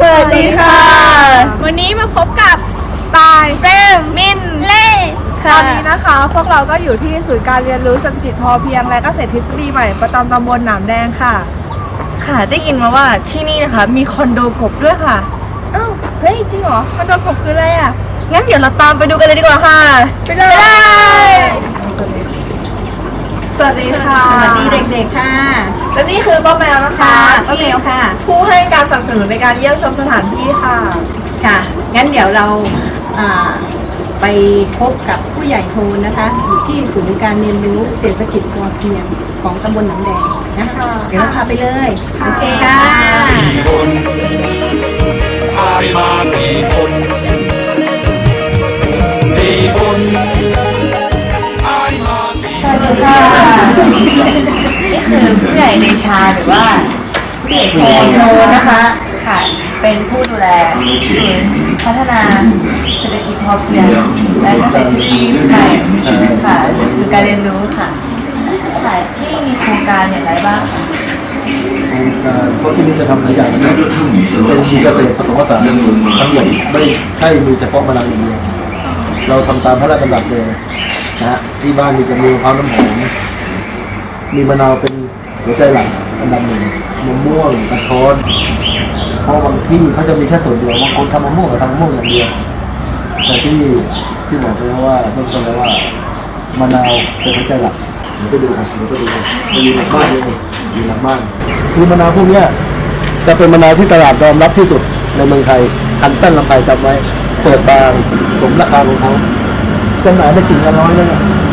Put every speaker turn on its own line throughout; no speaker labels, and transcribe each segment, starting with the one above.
วัสดีค่ะ
วันนี้มาพบกับตายเฟรมมินเล่
ตอนนี้นะคะพวกเราก็อยู่ที่ศูนย์การเรียนรู้เศรษฐกิจพอเพียงและเกษตรทฤษฎีใหม่ประจำตำบลหนามแดงค่ะ
ค่ะได้ยินมาว่าที่นี่นะคะมีคอนโดกบด้วยค่ะ
อ้าวเฮ้ยจริงเหรอคอนโดกบคืออะไรอ่ะ
งั้นเดี๋ยวเราตามไปดูกันเลยดีกว่าค่ะ
ไปเลย
สวัสดีค่ะ
สวัสดีเด็กๆค่ะ
และนี่คือป้าแมวนะคะ
ป้าแมวค่ะ
ผู้ให้การสนับสนุนในการเยี่ยมชมสถานที่ค่ะ
ค่ะงั้นเดี๋ยวเราไปพบกับผู้ใหญ่โทนนะคะอยู่ที่ศูนย์การเรียนรู้เศรษฐกิจพอเพียงของตำบลหนองแดงนะคะเดี๋ยวเราพาไปเลยโอเคค่ะ
4 คนอายมา4 คน4 คนอายมา4 คน
ค่ะนี่คือผู้ใหญ่เดชาหรือว่าผู้ใหญ่โทนะคะค่ะเป็นผู้ดูแลศูนย์พัฒนาเศรษฐกิจพอเพียงและเกษตรทฤษฎีใหม่ค่ะศูนย์การเรียนรู้ค่ะค่ะที่มีโครงการอย่างไรบ้างคะ
เพราะที่นี่จะทำหลายอย่างนะเป็นเกษตรผสมผสานทั้งหมดไม่ใช่มีเฉพาะมะนาวอย่างเดียวเราทำตามพระราชดำรัสเลยนะฮะที่บ้านมีจะมีมะพร้าวน้ำหอมมีมะนาวเป็นหัวใจหลักอันดับหนึ่งมะม่วงกระท้อนเพราะบางที่เขาจะมีแค่ส่วนเดียวบางคนทำมะม่วงกับทำมะม่วงอย่างเดียวแต่ที่นี่ที่บอกไปแล้วว่าต้องบอกแล้วว่ามะนาวเป็นหัวใจหลักเดี๋ยวไปดูกันมันมีหลักบ้านเลยมีหลักบ้านคือมะนาวพวกนี้จะเป็นมะนาวที่ตลาดยอมรับที่สุดในเมืองไทยพันแป้นลำไยจำไว้เปิดบางสมราคาของเขาจำหน่ายได้กิ่งละน้อยเลย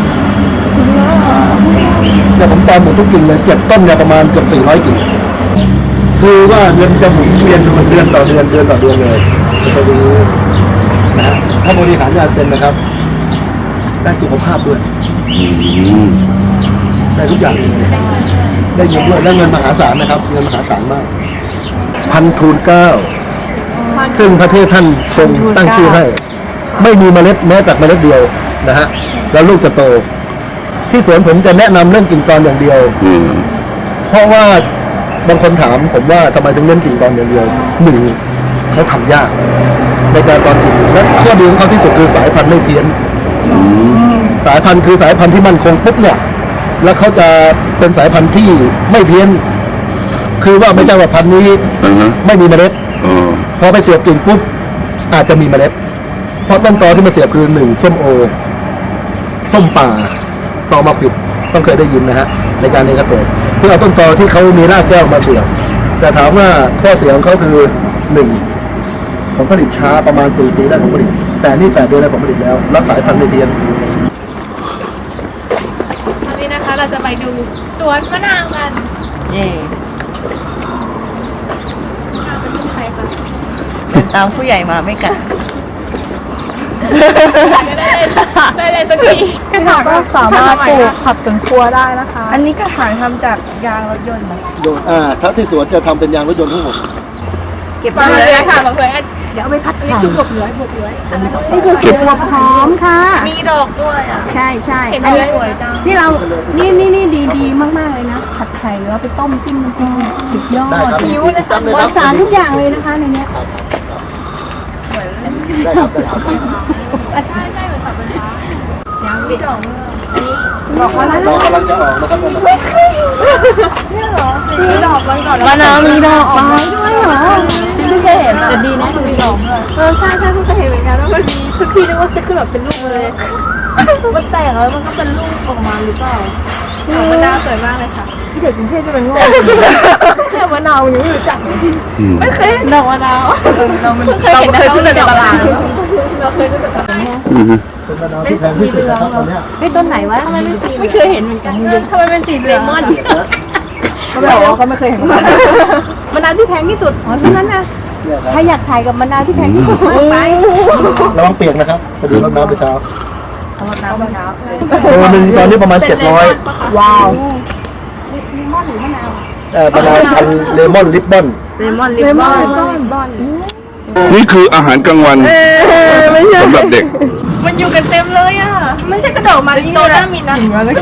เนี่ยผมตามหมดทุกกิ่งเลย7 ต้นเนี่ยประมาณเกือบ400 กิ่งคือว่าเงินจะหมุนเวียนเดือนต่อเดือนเลยจะเป็นอย่างนี้นะฮะถ้าบริหารงานเป็นนะครับได้สุขภาพด้วยได้ทุกอย่างเลยได้เงินด้วยและเงินมหาศาลนะครับเงินมหาศาลมาก1,000,9ซึ่งประเทศท่านทรงตั้งชื่อให้ไม่มีเมล็ดแม้แต่เมล็ดเดียวนะฮะแล้วลูกจะโตที่สวนผมจะแนะนำเรื่องกิ่งตอนอย่างเดียวเพราะว่าบางคนถามผมว่าทำไมถึงเน้นกิ่งตอนอย่างเดียว1เขาทำยากในการตอนกิ่งและข้อดีของเขาที่สุดคือสายพันธุ์ไม่เพี้ยนสายพันธุ์คือสายพันธุ์ที่มั่นคงปุ๊บเนี่ยแล้วเขาจะเป็นสายพันธุ์ที่ไม่เพี้ยนคือว่าไม่ใช่ว่าพันธุ์นี้ไม่มีเมล็ดพอไปเสียบกิ่งปุ๊บอาจจะมีเมล็ดเพราะต้นตอที่มาเสียบคือ1ส้มโอส้มป่าตอมะขวิดต้องเคยได้ยินนะฮะในการเรียนเกษตรเพื่อเอาต้นตอที่เขามีรากแก้วมาเสียบแต่ถามว่าข้อเสียของเขาคือ1ผลผลิตช้าประมาณ4 ปีได้ผลผลิตแต่นี่8 เดือนได้ผลผลิตแล้วรักสายพันธุ์ไม่เพี้ยน
วันนี้นะคะเราจะไปดูสวนมะนาวกัน
เย่
เป็นใครคะ
ตามผู้ใหญ่มาไม่กัด
ได้เลยสักที
ค่ะก็สามารถปลูกผักสวนครัวได้นะคะ
อันนี้กระถางทำจากยางรถยนต์นะ
ถ้าที่สวนจะทำเป็นยางรถยนต์ทั้งหมด
เก็บมาเลยค่ะมาเพื่อเดี๋ยวเอาไปพัดนี่คือกบเลื้อย
นี่คือเก็บหัวหอมค่ะ
มีดอกด้วยอ่ะ
ใช่
อันนี้
สวยจัง
ที่เรานี่ดีมากๆเลยนะผัดไข่หรือว่าไปต้มจิ้มน้ำพริกสุดยอด
ผิวนะคะ
ปลอดสารทุกอย่างเลยนะคะในนี้
ได้ครับ
ใช่เหมือนสับปะรดยังมีดอก
เรากำลังจะออกนะครับ
เนี่ยเหรอมีดอกมันก่อน
มะนาวมีดอกมา
ด้วยเหรอไม่เคยเห็นแต่ดีนะมีดอกใช่เพิ่งเคยเห็นเหมือนกันว่ามันมีทุกทีนึกว่าจะขึ้นแบบเป็นลูกเลยมันแตกแล้วมันก็เป็นลูกออกมาหรือเปล่ามะนาวสวยมากเลยค่ะ
ที่เด็กกรุงเทพจะเป็นโง่แค่มะนาวยังไม่รู้จัก
ไม่เคยดอกมะนาวเราเคยซื้อแต่ในตลาดเราเคยซื้อแต่ตลาด
เป็นมะนาวที่แพงที่สุดนะครับตอนนี้
ไอ้ต้นไหนวะไม่เคยเห็นเหมือนกัน
ทำไมเป็นสีเลมอน
เขาบอกว่าเขาไม่เคยเห็น
มะนาวที่แพงที่สุดอ๋อเท่านั้นนะใครอยากถ่ายกับมะนาวที่แพงที่สุดไ
ประวังเปียกนะครับพอดีรดน้ำไปเช้าตัวนึงตอนนี้ประมาณ700
ว้าว
เลมอนหรือมะนาว
มะนาวพันเลมอนลิปบอน
นี่คืออาหารกลางวันสำหรับเด็ก
มันอยู่กันเต็มเลยอ่ะ
ไม่ใช่กระดอกมาริโตน่ามินนะ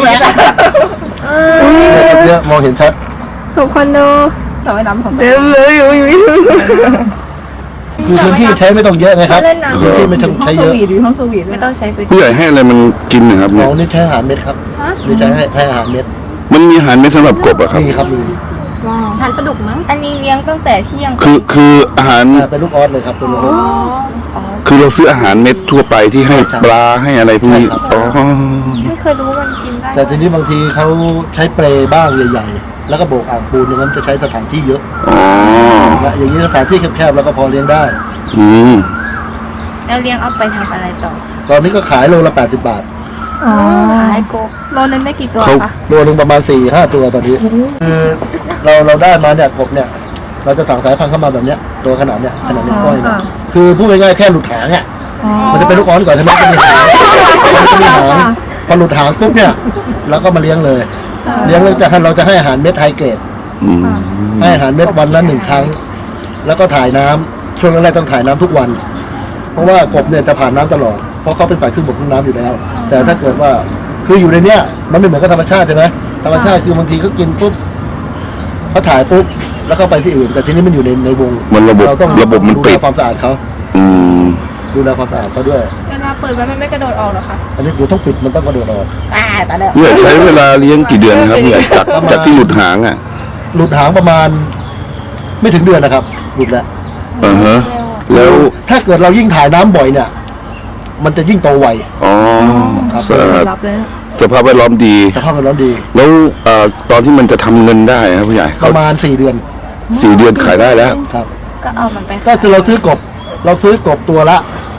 เนี่ยมองเห็นชัด
ถูกคนดูแต่ว่าน้ำของ
เต็มเลยอยู่
คือพื้นที่ใช้ไม่ต้องเยอะไงครับ
เล่นน้ำ
พื้นที่ไม่ต้องใช้เยอะ
ห้องสวีท
ไม่ต้องใช้พื้น
ผู้ใหญ่ให้อะไรมันกินนะครับ
น้
เนี่
อย งนี่ใช้อาหารเม็ดครับนี่ใช้ให้อาหารเม็ด
มันมีอาหารไม่สำหรับกบอะครับ
มีครับมี
ทานปลาดุกมั้ง
อันนี้เลี้ยงตั้งแต่เที่ยง
คืออาหาร
เป็นลูกออสเลยครับเป็นลูกออส
คือเราซื้ออาหารเม็ดทั่วไปที่ให้ปลาให้อะไรพวกนี้
ใช่ครับ
อ๋อ
ไม่เคยรู้ว่ามันกินได้
แต่ทีนี้บางทีเขาใช้เปรย์บ้างใหญ่ๆแล้วก็โบกอ่างปูนอย่างนั้นจะใช้สถานที่เยอะ
อ๋อ
อย่างนี้สถานที่แคบๆแล้วก็พอเลี้ยงได้
อืม
แล้วเลี้ยงเอาไปทำอะไรต่อ
ตอนนี้ก็ขายโลละ80 บาท
ขายกบ
โลนึงได้กี่ตัว
เขา
คะ
โลนึงประมาณ 4-5 ตัวตอนนี้คือเราได้มาเนี่ยกบเนี่ยเราจะสั่งสายพันธุ์เข้ามาแบบเนี้ยตัวขนาดเนี้ยขนาดนิ้วก้อยเนี่ยคือพูดง่ายๆแค่หลุดหางอ่ะมันจะเป็นลูกออสก่อนใช่ไหมมันจะมีหางพอหลุดหางปุ๊บเนี่ยเราก็มาเลี้ยงเลยเลี้ยงแล้วเราจะให้อาหารเม็ดไฮเกรด
อืม
ให้อาหารเม็ดวันละ1 ครั้ง แล้วก็ถ่ายน้ำช่วงแรกๆต้องถ่ายน้ำทุกวัน เพราะว่ากบเนี่ยจะผ่านน้ำตลอดเพราะเขาเป็นสายครึ่งบกครึ่งน้ำอยู่แล้ว แต่ถ้าเกิดว่าคืออยู่ในเนี้ยมันไม่เหมือนกับธรรมชาติใช่ไหมธรรมชาติคือบางทีเขากินปุ๊บเขาถ่ายปุ๊บแล้วเขาไปที่อื่น แต่ทีนี้มันอยู่ในวง
มันระบบ
เราต้อง
ระบบมัน
ดู
ปิ
แล
ด
ความสะอาดเขา
อืม
ดูแลความสะอาดเขาด้วย
เวลาเปิดไว้มันไม่กระโดดออกหรอคะ
อันนี้เดี๋ยวต้องปิดมันต้องกระโดดออก
ผู้ใหญ่ใช้เวลาเลี้ยงกี่เดือนครับผู้ใหญ่จากที่หลุดหางอ่ะ
หลุดหางประมาณ ไม่ถึงเดือนนะครับ หลุดแล้ว
อ่าฮะแล้ว
ถ้าเกิดเรายิ่งถ่ายน้ำบ่อยเนี่ย มันจะยิ่งโตไว
อ๋อ
ครับ
สภาพแวดล้อมดี
สภาพแวดล้อมดี
แล้วตอนที่มันจะทำเงินได้ครับผู้ใหญ่
ป
เขา
ระมาณ4 เดือน
4 เดือนขายได้แล้ว
ครับ
ก็เอามันไป
ก็คือเราซื้อกบตัวละ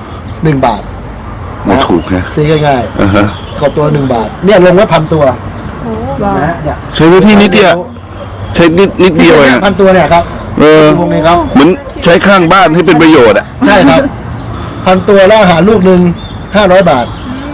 1 บาท
ไม่ถูกนะ
ตีง่าย
อ่าฮะ
ๆกบตัว1 บาท เนี่ยลงไว้1,000 ตัวนะฮะเนี่ย
ใช้พื้นที่นิดเดียวใช้นิดเดียวเองอะ
1,000 ตัวเนี่ยครับ
เออ
วงนี้ครับ
เหมือนใช้ข้างบ้านให้เป็นประโยชน์อ่ะ
ใช่ครับ1,000 ตัวแล้วอาหารลูกหนึ่ง500 บาท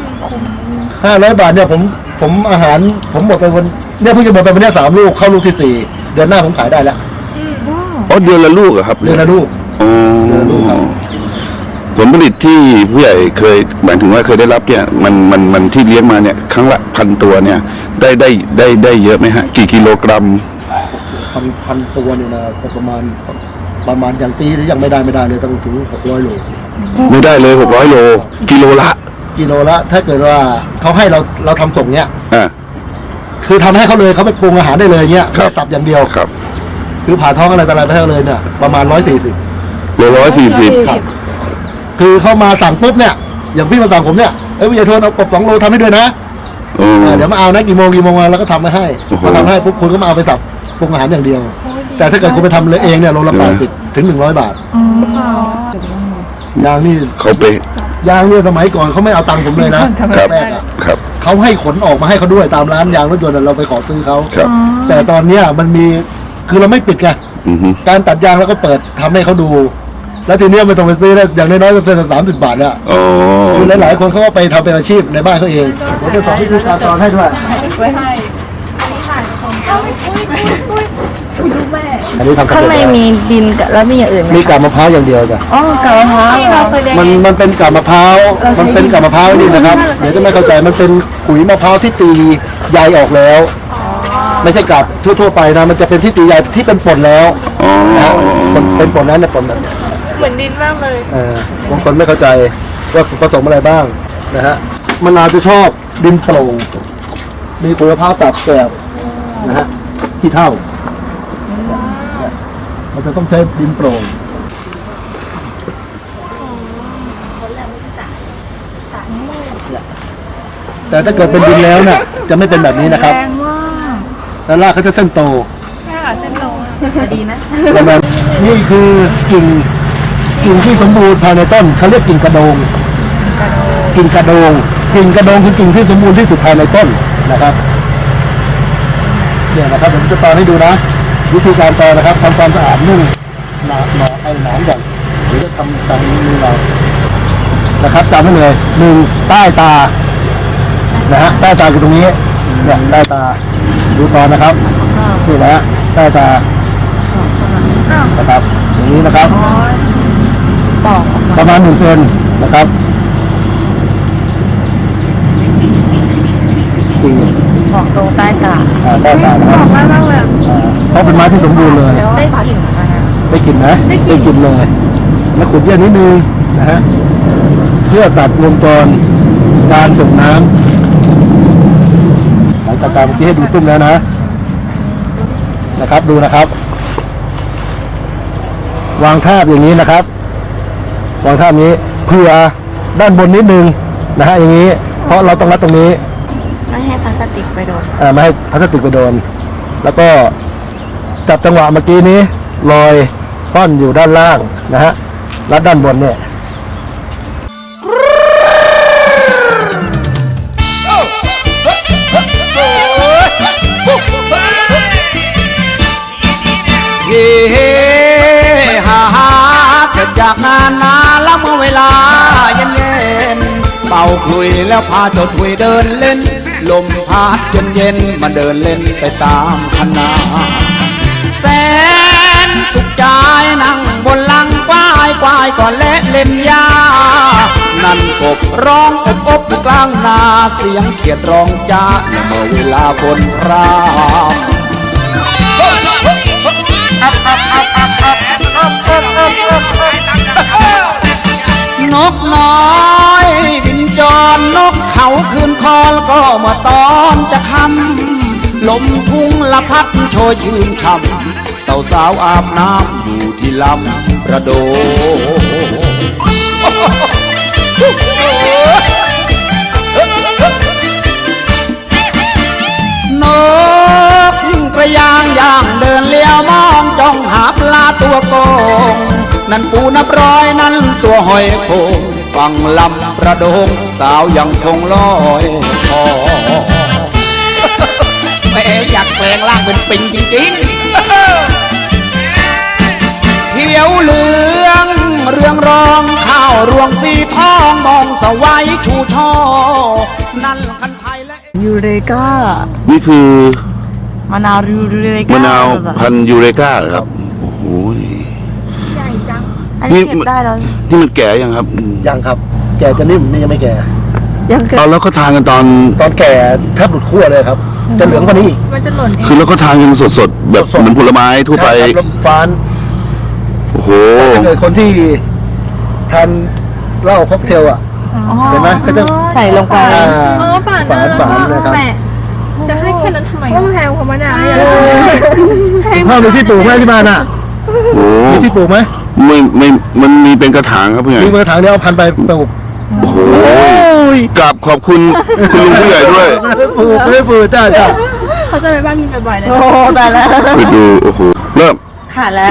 500 บาทเนี่ยผมอาหารผมหมดไปวันเนี่ยเพิ่งจะหมดไปวันเนี้ย3 ลูกเข้าลูกที่ 4 เดือนหน้าผมขายได้แล้ว
อ๋อเดือนละลูกเหรอครับ
เดือนละลูก
อ๋อ
เดือนละลูกครับ
ผลผลิตที่ผู้ใหญ่เคยหมายถึงว่าเคยได้รับเนี่ยมันที่เลี้ยงมาเนี่ยครั้งละ1,000 ตัวเนี่ยได้เยอะไหมฮะกี่กิโลกรัม
พันตัวเนี่ยนะก็ประมาณอย่างตีหรือยังไม่ได้เลยต้องถึง600 โล
ไม่ได้เลย600 โลกิโลละ
กิโลละถ้าเกิดว่าเขาให้เราทำส่งเนี่ย
อ่า
คือทำให้เขาเลยเขาไปปรุงอาหารได้เลยเงี้ย
ครับ
แค่สับอย่างเดียว
ครับ
คือผ่าท้องอะไรต่ออะไรไปให้เขาเลยเนี่ยประมาณ140
โล140
ครับคือเขามาสั่งปุ๊บเนี่ยอย่างพี่มาสั่งผมเนี่ยพี่ใหญ่โทนเอากบ2 โลทำให้ด้วยนะ
อืม
เดี๋ยวมาเอานะกี่โมงมาแล้วก็ทำมาให้
โอ้โห
พอทำให้ปุ๊บคุณก็มาเอาไปสับปรุงอาหารอย่างเดียว แต่ถ้าเกิดคุณไปทำเลยเองเนี่ยโลละ80 ถึง 100 บาทยางนี่
เขาไป
ยางเนี่ยสมัยก่อนเขาไม่เอาตังค์ผมเลยนะครับ แรกอะ
ครับ
เขาให้ขนออกมาให้เขาด้วยตามร้านยางรถยนต์อะเราไปขอซื้อเขา
ครับ
แต่ตอนเนี้ยมันมีคือเราไม่ปิดไง
อือฮึ
การตัดยางเราก็เปิดทำให้เขาดู แล้วทีเนี้ยไม่ต้องไปซื้อแล้วอย่างน้อยๆก็เป็น30 บาทแล้ว
อ๋อ
คือหลายๆคนเขาก็ไปทำเป็นอาชีพในบ้านเขาเองผมจะสอนวิธีการตอนให้ด้วย
ไว้ให้
อันนี้ทำ
ข้างในมีดินกับแล้วมีอย่างอื่นไหม
มีกาบมะพร้าวอย่างเดียวจ้ะ
อ๋อกะเพรา
ที่เราเคยเลี้ยง
มันเป็นกาบมะพร้าวมันเป็นกาบมะพร้าวนี่นะครับเดี๋ยวจะไม่เข้าใจมันเป็นขุยมะพร้าวที่ตีใยออกแล้ว ไม่ใช่กาบทั่วๆไปนะมันจะเป็นที่ตีใยที่เป็นป่นแล้ว
อ๋อ
นะฮะเป็นป่นนั้นเนี่ยป่นแบบเนี้ย
เหมือนดินมากเลย
บางคนไม่เข้าใจว่าผสมอะไรบ้างนะฮะมะนาวจะชอบดินโปร่งมีขุยมะพร้าวตัดแกบนะฮะที่เท่ามันจะต้องใช้ดินโปร่งแต่ถ้าเกิดเป็นดินแล้วเนี่ยจะไม่เป็นแบบนี้นะครับแล้วรากเขาจะเส้นโต
ดีไหม
ประมาณนี่คือกิ่งที่สมบูรณ์ภายในต้นเขาเรียกกิ่งกระโดงกิ่งกระโดงคือกิ่งที่สมบูรณ์ที่สุดภายในต้นนะครับเนี่ยนะครับผมจะตอนให้ดูนะวิธีการตอนนะครับทำความสะอาดนุ่งหนาไอ้หนามก่อนเดี๋ยวจะทำตามมือเรานะครับจำไว้เลย1ใต้ตานะฮะใต้ตาคือตรงนี้เนี่ยใต้ตาดูตอนนะครับนี่นะฮะใต้ตานะครับอย่างนี้นะครับประมาณ1 เซนนะครับกิ่ง
บอกตรงใต้ตา
ใต้ตานะครับเพราะเป็นไม้ที่สมบูรณ์เลย
ได้กลิ่นไหม
ได้กลิ่นไหมได้กลิ่นเลยแล้วขุดเยื่อนิดนึงนะฮะเพื่อตัดวงจรการส่งน้ำหลังจากการเมื่อกี้ให้ดูตุ้มแล้วนะครับดูนะครับ วางทาบอย่างนี้นะครับวางทาบนี้เผื่อด้านบนนิดนึงนะฮะอย่างนี้เพราะเราต้องรัดตรงนี้
ไม่ให้พลาสติกไปโดน
ไม่ให้พลาสติกไปโดนแล้วก็จับจังหวะเมื่อกี้นี้ลอยฟ่อนอยู่ด้านล่างนะฮะรัดด้านบนเนี่ย
เฮ้ฮ่าฮ่าเสร็จจากงานมาแล้วเมื่อเวลาเย็นเย็นเป่าคลุยแล้วพาเจ้าถุยเดินเล่น ลมพัดเย็นเย็นมาเดินเล่นไปตามคณะแสนสุขใจนั่งบนหลังควายควายก่อนและเล่นยานั่นกบร้องอบอยู่กลางนาเสียงเขียดร้องจ้าเมื่อเวลาบนรามนกน้อยบินจรนกเขาคืนคอลก็มาตอนจะค่ำลมพุ่งละพัดโชยชื่นช่ำสาวๆอาบน้ำอยู่ที่ลำประโดนกกระยางย่างเดินเลี้ยวมองจ้องหาปลาตัวโกงนั่นปูนับร้อยนั่นตัวหอยโขงฟังลำประโดงสาวยังคงลอยคอแม่อยากแปลงร่างเป็นปิงจริงๆเขียวเหลืองเรืองรองข้าวรวงสีทองมองสวัยชูช่อนั่นคันไทยและ
ยูเรกา
นี่คือ
มะนาวยูเรกาม
ะนาวพันธุ์ยูเรกาเหรอครับโอ้โห
อันนี้เก็บได้แล้ว
นี่มันแก่ยังครับ
ยังครับ แก่จะนิ่มนี่ยังไม่แก่
ยังเก็บ
เอาแล้วก็ทานกันตอน
ตอนแก่แทบหลุดขั้วเลยครับ จะเหลืองกว่านี้อีก
มันจะหล่นเอง
คือแล้วก็ทานกันสดๆแบบ
สดๆ
เหมือนผลไม้ทั่วไป
ใช่ครับแล้วฟ้าน
โอ้โห
ถ้าเกิดคนที่ทานเหล้าค็อกเทลอ่ะเห็นไหมก็จะ
ใส่ลงไป
ฝานนะครับ
จะให้แค่นั้นทำไม
ต้องแพงกว่ามะนาวอย่าง
พ่อมีที่ปลูกไหมที่บ้านอ่ะ
โอ้โห
มีที่ปลูกไหม
ไม่มันมีเป็นกระถางครับเพื่อน
มีกระถางเดียวเอาพันไปปลูก
โอ้โหกราบขอบคุณคุณลุงผู้ใหญ่ด้วย
ไม่ปลูกจ้า
เขาจะไปบ้านมีบ่อยๆเลย
โอ้แต่ละ
ไปดูโอ้โหเริ่ม
ค่ะและ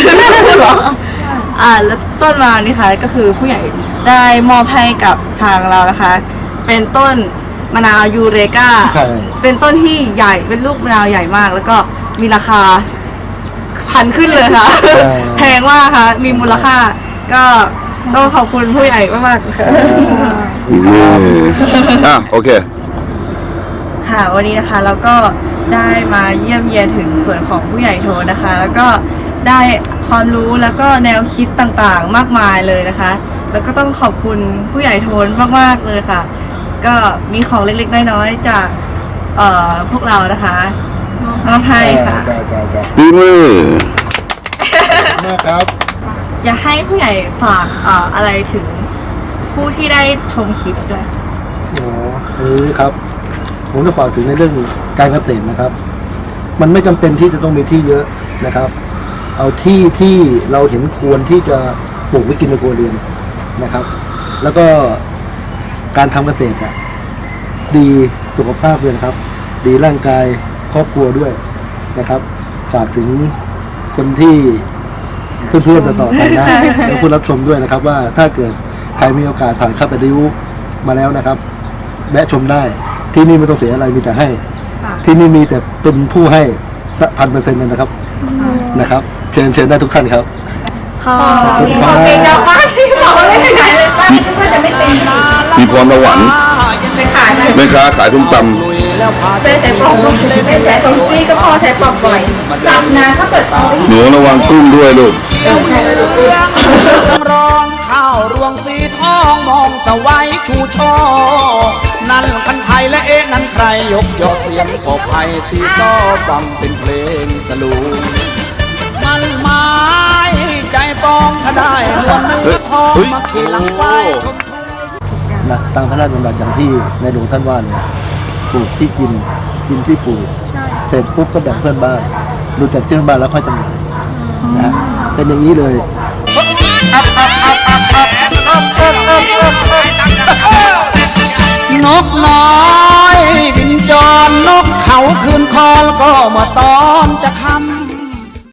แล้วต้นมานี่ค่ะก็คือผู้ใหญ่ได้มอบให้กับทางเรานะคะ เป็นต้นมะนาวยูเรกา
ใช่
เป็นต้นที่ใหญ่เป็นลูกมะนาวใหญ่มาก แล้วก็มีราคาพันขึ้นเลยค่ะ แพงมากค่ะ มีมูลค่า ก็ต้องขอบคุณผู้ใหญ่มากๆค่ะ
โอเค
ค่ะ วันนี้นะคะเราก็ได้มาเยี่ยมเยียนถึงส่วนของผู้ใหญ่โทนนะคะ แล้วก็ได้ความรู้แล้วก็แนวคิดต่างๆมากมายเลยนะคะ แล้วก็ต้องขอบคุณผู้ใหญ่โทนมากๆเลยค่ะ ก็มีของเล็กๆน้อยๆจากพวกเรานะคะมอบให้ค่ะ
จ้า
ตีมือ
มากครับ
อยากให้ผู้ใหญ่ฝากอะไรถึงผู้ที่ได้ชมคลิปด้วย
ครับ ผมจะฝากถึงในเรื่องการเกษตรนะครับ มันไม่จำเป็นที่จะต้องมีที่เยอะนะครับ เอาที่ที่เราเห็นควรที่จะปลูกไว้กินในครัวเรือนนะครับ แล้วก็การทำเกษตรอะดีสุขภาพเลยนะครับ ดีร่างกายครอบครัวด้วยนะครับ ฝากถึงคนที่เพื่อนๆต่อๆไปได้และผู้รับชมด้วยนะครับ ว่าถ้าเกิดใครมีโอกาสผ่านเข้าไปริ้วมาแล้วนะครับแวะชมได้ที่นี่ไม่ต้องเสียอะไรมีแต่ให้ ที่นี่มีแต่เป็นผู้ให้1,000%เลยนะครับ เชิญได้ทุกท่านครับ ขอบคุณครับ
มีพรสวรรค์แม่ค้าขายส้มตำ
ไม่ใช้ปลอกไม่ใช้ตรงซี่ก็พอใช้ปลอกบ่อยจับนะถ้าเกิดเอา
หนูระวังตุ้มด้วยลูก
ร้องข้าวรวงสีทองมองสวัยชูช่อนั่นคันไทยและนั่นใครยกยอดเสียงปอบไผ่สีซ้อฟังเป็นเพลงตะลุงมันไม้ใจปองถ้าได้รวมเนื้
เฮ้ย
มาขี่หลังควาย
นะตามพระราชดำรัสอย่างที่ในหลวงท่านว่าเนี่ยปลูกที่กินที่ปลูกเสร็จปุ๊บก็แบ่งเพื่อนบ้านดูจากเพื่อนบ้านแล้วค่อยจำหน่ายนะเป็นอย่างนี้เลย
นกน้อยบินจรนกเขาคืนคอแล้วก็เมื่อตอนจะค่ำ